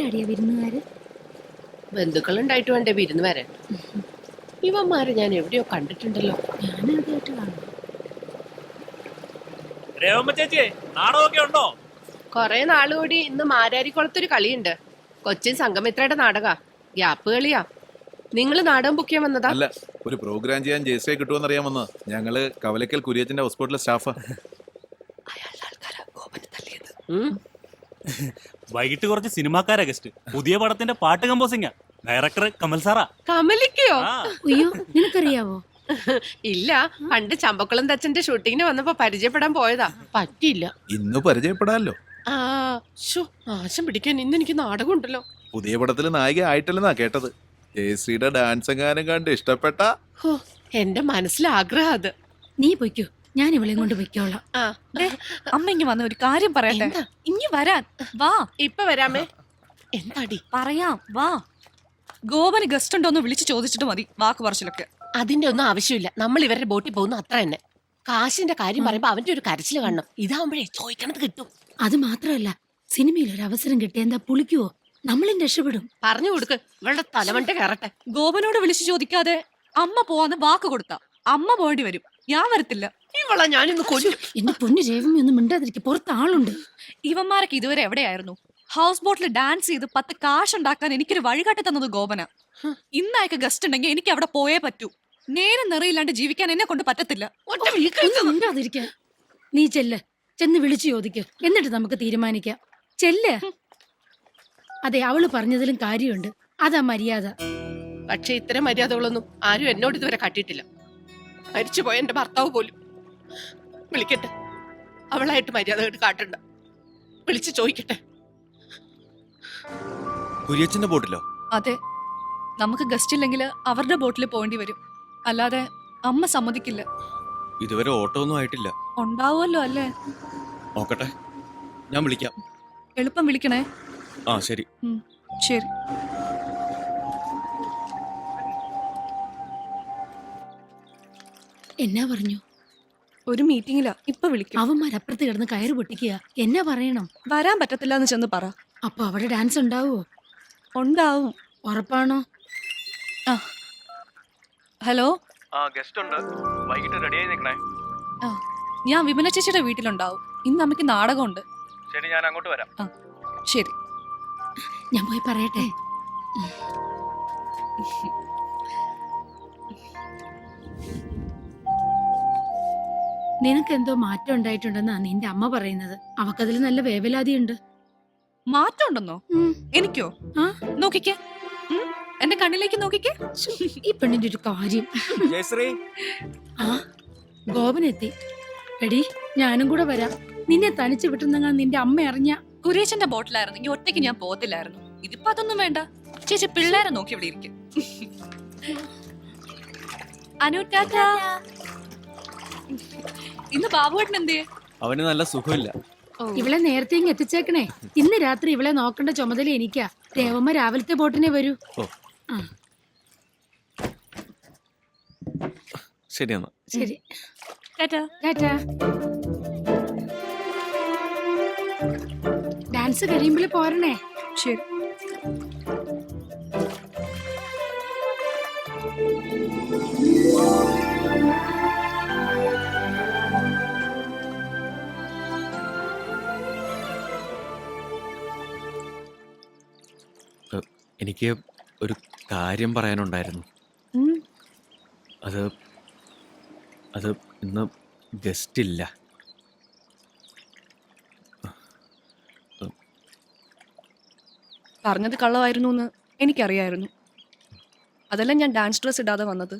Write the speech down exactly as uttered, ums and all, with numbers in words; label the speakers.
Speaker 1: ആരാടിയ വിരുന്നുകാര്?
Speaker 2: ബന്ധുക്കളുണ്ടായിട്ട് വേണ്ടേ വിരുന്ന് വരാൻ. ഇവന്മാരെ ഞാൻ എവിടെയോ കണ്ടിട്ടുണ്ടല്ലോ.
Speaker 1: ഞാൻ ആദ്യമായിട്ട് കാണും.
Speaker 3: നാടകമൊക്കെ ഉണ്ടോ?
Speaker 2: കൊറേ നാളുകൂടി ഇന്ന് മാരാരിക്കുളത്തൊരു കളിയുണ്ട്. കൊച്ചിൻ സംഗമിത്രയുടെ നാടക ഗ്യാപ്പ് കളിയാ. നിങ്ങള് നാടകം ബുക്ക് ചെയ്യാൻ വന്നതാ?
Speaker 4: അല്ല, ഒരു പ്രോഗ്രാം ചെയ്യാൻ ജയശ്രീ കിട്ടുമെന്ന് അറിയാൻ വന്ന. ഞങ്ങള് കവലക്കൽ കുര്യച്ചന്റെ ഹോസ്പിറ്റലിലെ സ്റ്റാഫാ.
Speaker 3: വൈകിട്ട് കുറച്ച് സിനിമാക്കാരാ ഗസ്റ്റ്. പുതിയ പടത്തിന്റെ പാട്ട് കമ്പോസിംഗാ. ഡയറക്ടർ കമൽ സാറാ.
Speaker 2: കമലിക്കയോ?
Speaker 1: അയ്യോ, നിനക്കറിയാവോ?
Speaker 2: ഇല്ല, പണ്ട് ചമ്പക്കുളം തച്ചന്റെ ഷൂട്ടിങ്ങിന് വന്നപ്പോ പരിചയപ്പെടാൻ പോയതാ. പറ്റിയില്ല.
Speaker 4: ഇന്ന് പരിചയപ്പെടാല്ലോ.
Speaker 2: ആ ശോ, നാശം പിടിക്കാൻ ഇന്ന് എനിക്ക് നാടകം ഉണ്ടല്ലോ.
Speaker 4: പുതിയ പടത്തില് നായിക ആയിട്ടല്ലെന്നാ കേട്ടത്. ജയശ്രീയുടെ ഡാൻസ് എങ്ങാനും കണ്ട് ഇഷ്ടപ്പെട്ട.
Speaker 2: ഹോ, എന്റെ മനസ്സിലെ ആഗ്രഹം അത്.
Speaker 1: നീ പൊയ്ക്കോ, ഞാൻ ഇവളെയും കൊണ്ട് പൊയ്ക്കോളാം.
Speaker 2: ആ
Speaker 5: അമ്മ ഇങ്ങ് വന്ന ഒരു കാര്യം പറയട്ടെ.
Speaker 2: എന്താ?
Speaker 5: ഇങ്ങ് വരാൻ വാ.
Speaker 2: ഇപ്പൊ വരാമേ. എന്താടി?
Speaker 5: പറയാം വാ. ഗോപന് ഗസ്റ്റ് ഉണ്ടോന്ന് വിളിച്ചു ചോദിച്ചിട്ട് മതി വാക്ക് പറച്ചിലൊക്കെ.
Speaker 2: അതിന്റെ ഒന്നും ആവശ്യമില്ല. നമ്മൾ ഇവരുടെ ബോട്ടിൽ പോകുന്നു, അത്ര തന്നെ. കാശിന്റെ കാര്യം പറയുമ്പോ അവന്റെ ഒരു കരച്ചില് കാണണം. ഇതാവുമ്പോഴേ ചോദിക്കണത് കിട്ടും.
Speaker 1: അത് മാത്രമല്ല, സിനിമയിൽ ഒരു അവസരം കിട്ടിയ എന്താ പുളിക്കുവോ? നമ്മളും രക്ഷപ്പെടും.
Speaker 2: പറഞ്ഞു കൊടുക്ക്, ഇവളുടെ തലമണ്ട കയറട്ടെ.
Speaker 5: ഗോപനോട് വിളിച്ചു ചോദിക്കാതെ അമ്മ പോവാന്ന് വാക്ക് കൊടുത്ത അമ്മ പോകേണ്ടി വരും. ഞാൻ വരത്തില്ല.
Speaker 2: ഇവളെ ഞാനിന്ന് കൊല്ലും.
Speaker 1: എന്റെ പൊന്നു രേവമി ഒന്നും മിണ്ടാതിരിക്കും, പുറത്ത് ആളുണ്ട്.
Speaker 5: ഇവന്മാരൊക്കെ ഇതുവരെ എവിടെയായിരുന്നു? ഹൗസ് ബോട്ടിൽ ഡാൻസ് ചെയ്ത് പത്ത് കാശ് ഉണ്ടാക്കാൻ എനിക്കൊരു വഴികാട്ടി തന്നത് ഗോപന. ഇന്നയക്ക് ഗസ്റ്റ് ഉണ്ടെങ്കിൽ എനിക്ക് അവിടെ പോയേ പറ്റൂ. നേരം നിറയില്ലാണ്ട് ജീവിക്കാൻ എന്നെ കൊണ്ട് പറ്റത്തില്ല.
Speaker 2: ഒറ്റ വീക്ക്
Speaker 1: ഒന്നും മിണ്ടാതിരിക്കാൻ. നീ ചെല്ല്, ചെന്ന് വിളിച്ചു ചോദിക്ക്, എന്നിട്ട് നമുക്ക് തീരുമാനിക്കാം. ചെല്ല്. അതെ, അവള് പറഞ്ഞതിലും കാര്യമുണ്ട്. അതാ മര്യാദ.
Speaker 2: പക്ഷെ ഇത്തരം മര്യാദകളൊന്നും ആരും എന്നോട് ഇതുവരെ കാട്ടിയിട്ടില്ല. മരിച്ചുപോയ എന്റെ ഭർത്താവ് പോലും. വിളിക്കട്ടെ, അവളായിട്ട് മര്യാദ കേട്ട് കാട്ടണ്ട. വിളിച്ചു ചോദിക്കട്ടെ.
Speaker 3: കുര്യച്ചന്റെ ബോട്ടിലോ?
Speaker 5: അതെ, നമുക്ക് ഗസ്റ്റ് ഇല്ലെങ്കിൽ അവരുടെ ബോട്ടിൽ പോകേണ്ടി വരും. അല്ലാതെ അമ്മ സമ്മതിക്കില്ല.
Speaker 3: ഇതുവരെ ഓട്ടോ ഒന്നും ആയിട്ടില്ല.
Speaker 5: ഉണ്ടാവുമല്ലോ അല്ലേ?
Speaker 3: നോക്കട്ടെ, ഞാൻ വിളിക്കാം.
Speaker 5: എളുപ്പം വിളിക്കണേ.
Speaker 3: ആ ശരി.
Speaker 5: ശരി.
Speaker 1: എന്നാ പറഞ്ഞു?
Speaker 5: ഒരു മീറ്റിംഗിലാ, ഇപ്പൊ വിളിക്കും.
Speaker 1: അവന്മാരപ്പുറത്ത് കിടന്ന് കയറ് പൊട്ടിക്കുക. എന്നാ പറയണം?
Speaker 5: വരാൻ പറ്റത്തില്ല എന്ന് ചെന്ന് പറ.
Speaker 1: അപ്പൊ അവിടെ ഡാൻസ് ഉണ്ടാവോ?
Speaker 5: ഉണ്ടാവും.
Speaker 1: ഉറപ്പാണോ?
Speaker 5: ആ ഹലോ.
Speaker 3: ആ ഗസ്റ്റ് ഉണ്ട്, വൈകിട്ട് റെഡിയായി നിൽക്കണേ.
Speaker 5: ആ ഞാൻ വിമല ചേച്ചിയുടെ വീട്ടിലുണ്ടാവും. ഇന്ന് അമ്മയ്ക്ക് നാടകമുണ്ട്.
Speaker 3: ശരി, ഞാൻ അങ്ങോട്ട് വരാം.
Speaker 5: ആ ശരി.
Speaker 1: ഞാൻ പോയി പറയട്ടെ. നിനക്കെന്തോ മാറ്റം ഉണ്ടായിട്ടുണ്ടെന്നാ നിന്റെ അമ്മ പറയുന്നത്. അവക്കതിൽ നല്ല വേവലാതിയുണ്ട്.
Speaker 5: മാറ്റം ഉണ്ടെന്നോ? എനിക്കോ?
Speaker 1: ആ?
Speaker 5: നോക്കിക്കേ, ഉം, എന്റെ കണ്ണിലേക്ക് നോക്കിക്കേ.
Speaker 1: ഈ പെണ്ണിന്റെ ഒരു കാര്യം.
Speaker 3: ജയശ്രീ,
Speaker 1: ആ ഗോപനെത്തി. എടി, ഞാനും കൂടെ വരാം. നിന്നെ തനിച്ച് വിട്ടുന്നെങ്ങാ നിന്റെ അമ്മ അറിഞ്ഞ.
Speaker 5: കുരേശന്റെ ബോട്ടിലായിരുന്നെങ്കിൽ ഒറ്റയ്ക്ക് ഞാൻ പോകത്തില്ലായിരുന്നു. ഇതിപ്പോ അതൊന്നും വേണ്ട. ചേച്ചി പിള്ളേരെ നോക്കി ഇവിടെ ഇരിക്കും. അനു ടാറ്റാ. ഇന്ന് ബാബുവേട്ടൻ എന്തേ?
Speaker 3: അവന് നല്ല സുഖമില്ല.
Speaker 1: ഇവളെ നേരത്തെ ഇങ്ങ് എത്തിച്ചേക്കണേ. ഇന്ന് രാത്രി ഇവളെ നോക്കേണ്ട ചുമതല എനിക്കാ. ദേവമ്മ രാവിലത്തെ ബോട്ടിനെ വരൂ. ആ
Speaker 3: ശരി എന്നാ.
Speaker 1: ശരി.
Speaker 5: ടാറ്റാ.
Speaker 1: ടാറ്റാ. ഡാൻസ് കഴിയുമ്പോൾ പോരണേ.
Speaker 5: ശരി.
Speaker 3: എനിക്ക് ഒരു കാര്യം പറയാനുണ്ടായിരുന്നു. അത് അത് ഇന്ന് ഗസ്റ്റ് ഇല്ല.
Speaker 5: പറഞ്ഞത് കള്ളമായിരുന്നു എന്ന് എനിക്കറിയായിരുന്നു. അതെല്ലാം ഞാൻ ഡാൻസ് ഡ്രസ് ഇടാതെ വന്നത്.